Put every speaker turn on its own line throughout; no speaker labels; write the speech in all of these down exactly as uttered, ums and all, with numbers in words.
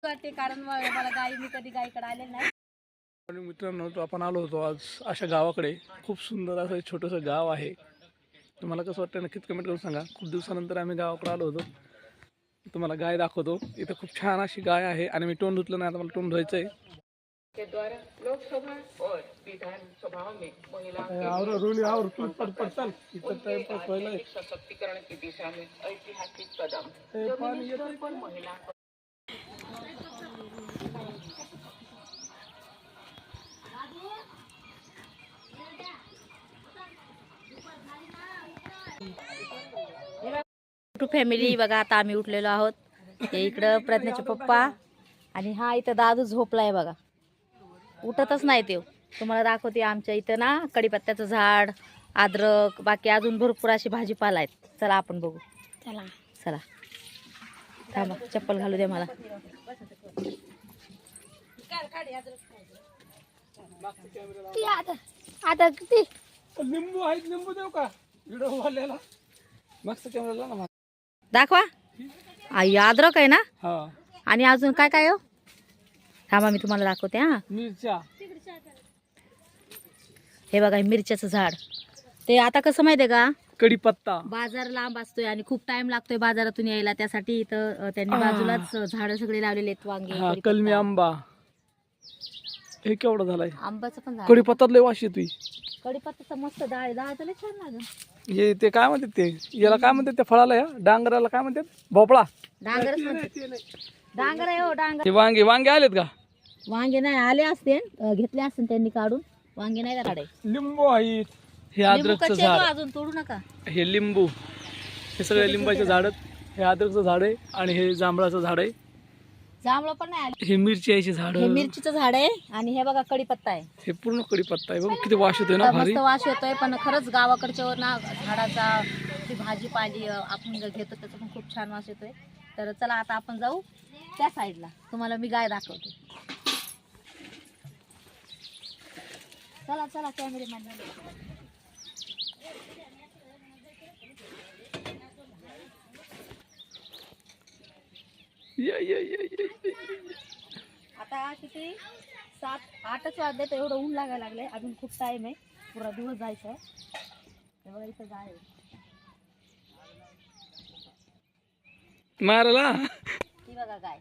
वाटते कारण मला गाई मी कधी गाईकडे आले नाही.
आणि मित्रांनो तो आपण आलो होतो आज अशा गावाकडे. खूप सुंदर असं छोटंसं गाव आहे. तुम्हाला कसं वाटतं नक्कीच कमेंट करून सांगा. खूप दिवसानंतर आम्ही गावाकडे आलो होतो. तुम्हाला गाय दाखवतो. इथं खूप छान अशी गाय आहे आणि मी तोंड धुतलं नाही, आता मला तोंड धुवायचं आहे. के द्वारा लोकसभा और विधानसभा में महिलाओं के सशक्तिकरण की दिशा में ऐतिहासिक कदम पर महिला
फॅमिली बघा. आता आम्ही उठलेलो आहोत. हे इकडं प्रज्ञाचे पप्पा आणि हा इथं दादू झोपलाय बघा, उठतच नाही ते. तुम्हाला दाखवते आमच्या इथं ना कडीपत्त्याचं झाड, अद्रक, बाकी अजून भरपूर अशी भाजीपाला आहेत. चला आपण बघू. चला चला थांबा, चप्पल घालू दे मला. आता किती
लिंबू आहेत, लिंबू देऊ का व्हिडिओ वाल्याला? मस्त कॅमेरा ना
दाखवा. आई अद्रक आहे ना.
हा,
आणि अजून काय काय हो, थांबा मी तुम्हाला दाखवते. हा
मिरच्या,
हे बघा मिरच्याचं झाड. ते आता कसं माहितीये का,
कढीपत्ता
बाजार लांब असतोय आणि खूप टाइम लागतोय बाजारातून यायला. त्यासाठी इथं त्यांनी बाजूलाच झाडं सगळे लावलेले आहेत. वांगे,
कलमी आंबा. हे केवढं झालंय
आंब्याचं पण झाड.
कढीपत्तात लय वास येतोय.
कढीपत्त्याचं मस्त डाळ डाळ तर लय छान लागेल.
हे ते काय म्हणतात, ते याला काय म्हणतात, त्या फळाला या डांगराला काय म्हणतात? भोपळा.
डांगरच डांगर आहे हो, डांगर.
ते वांगे वांगे आलेत का?
वांगे नाही आले असते, घेतले असते त्यांनी काढून. वांगे नाही काढाय.
लिंबू आहेत. हे अद्रकचं झाड,
अजून तोडू नका.
हे लिंबू, हे सगळे लिंबाचे झाड. हे अद्रकचं झाड आहे आणि हे जांभळाचं झाड आहे.
जांभळं पण नाही आले.
हे मिरची झाड,
हे मिरचीचं झाड आहे. आणि हे बघा कडीपत्ता आहे.
हे पूर्ण कडीपत्ता आहे. बघ किती वास येतोय ना, भारी
मस्त वास येतोय. पण खरंच गावाकडच्या ना झाडाचा ती भाजीपाली आपण घेतो त्याचा पण खूप छान वास येतोय. तर चला आता आपण जाऊ त्या साईडला, तुम्हाला मी गाय दाखवते. चला चला कॅमेरामॅन.
या या या या.
आता किती सात आठच वाजले तर एवढं ऊन लागायला लागले. अजून खूप टाइम आहे, पुरा दिवस जायचा आहे. तेव्हा इथं गाय आहे.
मारला
ती बघा गाय.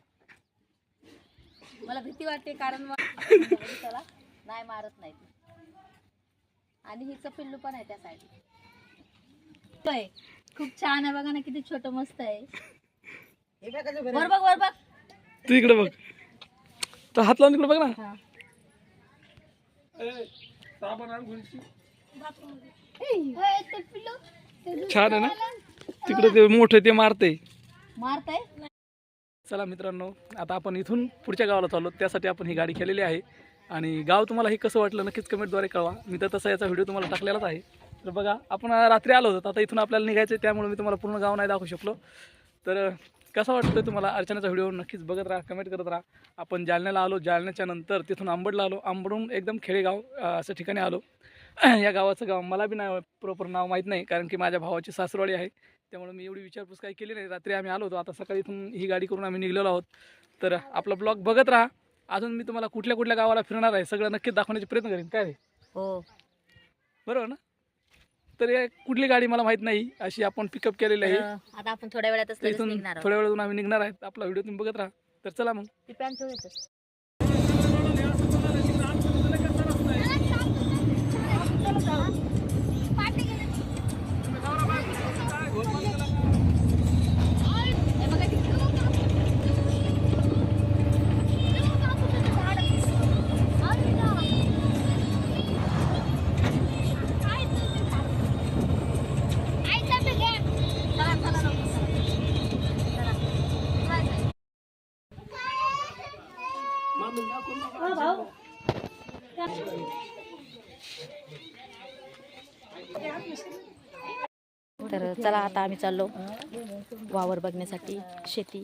मला भीती वाटते कारण त्याला नाही मारत नाही. आणि हिचं पिल्लू पण आहे त्या साईडला. खूप छान आहे बघा ना, किती छोटं मस्त आहे. वर बघ वर बघ,
तू इकडे बघ, तर हात लावून इकडे बघ ना. छान आहे ना. तिकडे ते मोठे ते मारते
मारताय.
चला मित्रांनो, आता आपण इथून पुढच्या गावाला चाललो. त्यासाठी आपण ही गाडी केलेली आहे. आणि गाव तुम्हाला हे कसं वाटलं नक्कीच कमेंटद्वारे कळवा. मी तर तसा याचा व्हिडिओ तुम्हाला टाकलेलाच आहे. तर बघा, आपण रात्री आलो होतो, आता इथून आपल्याला निघायचं आहे, त्यामुळे मी तुम्हाला पूर्ण गाव नाही दाखवू शकलो. तर कसं वाटतं तुम्हाला अर्चनाचा व्हिडिओ नक्कीच बघत राहा, कमेंट करत राहा. आपण जालन्याला आलो, जालन्याच्या नंतर तिथून आंबडला आलो, आंबडून एकदम खेडेगाव असं ठिकाणी आलो. या गावाचं गाव मला बी नाही प्रॉपर नाव माहीत नाही, कारण की माझ्या भावाची सासरवाडी आहे. त्यामुळे मी एवढी विचारपूस काही केली नाही. रात्री आम्ही आलो होतो, आता सकाळी इथून ही गाडी करून आम्ही निघलेलो आहोत. तर आपला ब्लॉग बघत राहा. अजून मी तुम्हाला कुठल्या कुठल्या गावाला फिरणार आहे सगळं नक्कीच दाखवण्याचा प्रयत्न करेन. काय रे?
हो
बरोबर ना. तर हे कुठली गाडी मला माहित नाही, अशी आपण पिकअप केलेली आहे.
आता आपण थोड्या वेळातच
इथून
निघणार.
थोड्या वेळातून आम्ही निघणार आहेत. आपला व्हिडिओ तुम्ही बघत राहा. तर चला मग.
ती पॅन्ट ठेवतो. तर चला आता आम्ही चाललो वावर बघण्यासाठी, शेती.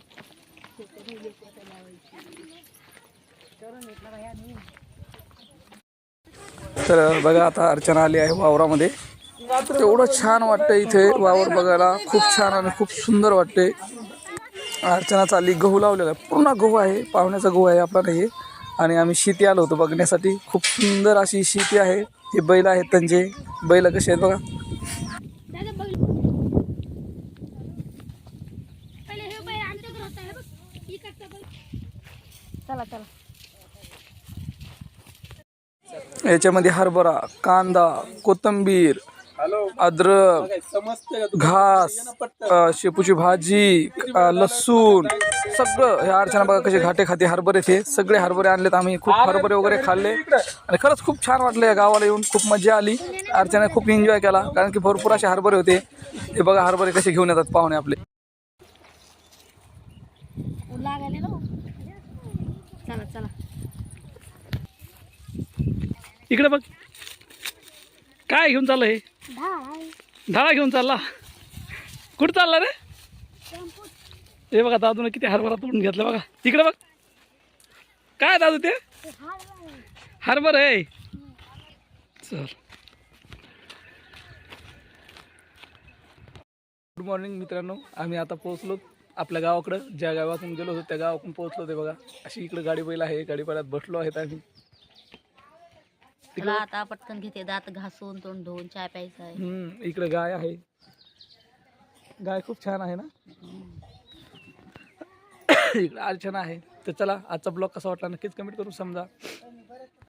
तर बघा, आता अर्चना आली आहे वावरामध्ये. एवढं छान वाटतं इथे वावर बघायला, खूप छान आणि खूप सुंदर वाटते. अर्चना चालली, गहू लावलेला आहे, पूर्ण गहू आहे, पाहुण्याचा गहू आहे आपला नाही. आणि आम्ही शेती आलो होतो बघण्यासाठी. खूप सुंदर अशी शेती आहे. हे बैल आहेत त्यांचे, बैल कसे आहेत बघा.
चला चला.
याच्यामध्ये हरभरा, कांदा, कोथिंबीर, अद्रक, घास, अ, शेपूची भाजी, अ, लसूण, सगळं. हे अर्चना बघा कसे घाटे खाते हरभरे. ते सगळे हरभरे आणलेत आम्ही. खूप हरभरे वगैरे खाल्ले आणि खरंच खूप छान वाटलं या गावाला येऊन. खूप मजा आली. अर्चना खूप एन्जॉय केला कारण की भरपूर असे हरभरे होते. हे बघा हरभरे कसे घेऊन येतात पाहुणे आपले.
चला चला.
इकडे बघ काय घेऊन चाललं हे. ढाळा घेऊन चालला. कुठं चालला रे. हे बघा दादूने किती हरभरा तोडून घेतला बघा. तिकडे बघ काय दादू ते हरभरा आहे. चल. गुड मॉर्निंग मित्रांनो. आम्ही आता पोहोचलो आपल्या गावाकडं. ज्या गावातून गेलो होतो त्या गावातून पोहोचलो. ते बघा अशी इकडे गाडी बैल आहे. गाडी बैलात बसलो आहेत आम्ही.
चला आता पटकन घेते, दात घासून तोंड धुवून चहा प्यायचा आहे.
हम्म इकडे गाय आहे. गाय खूप छान आहे ना. इकडे अर्चना आहे. तर चला आजचा ब्लॉग कसा वाटला नक्कीच कमेंट करून समजा.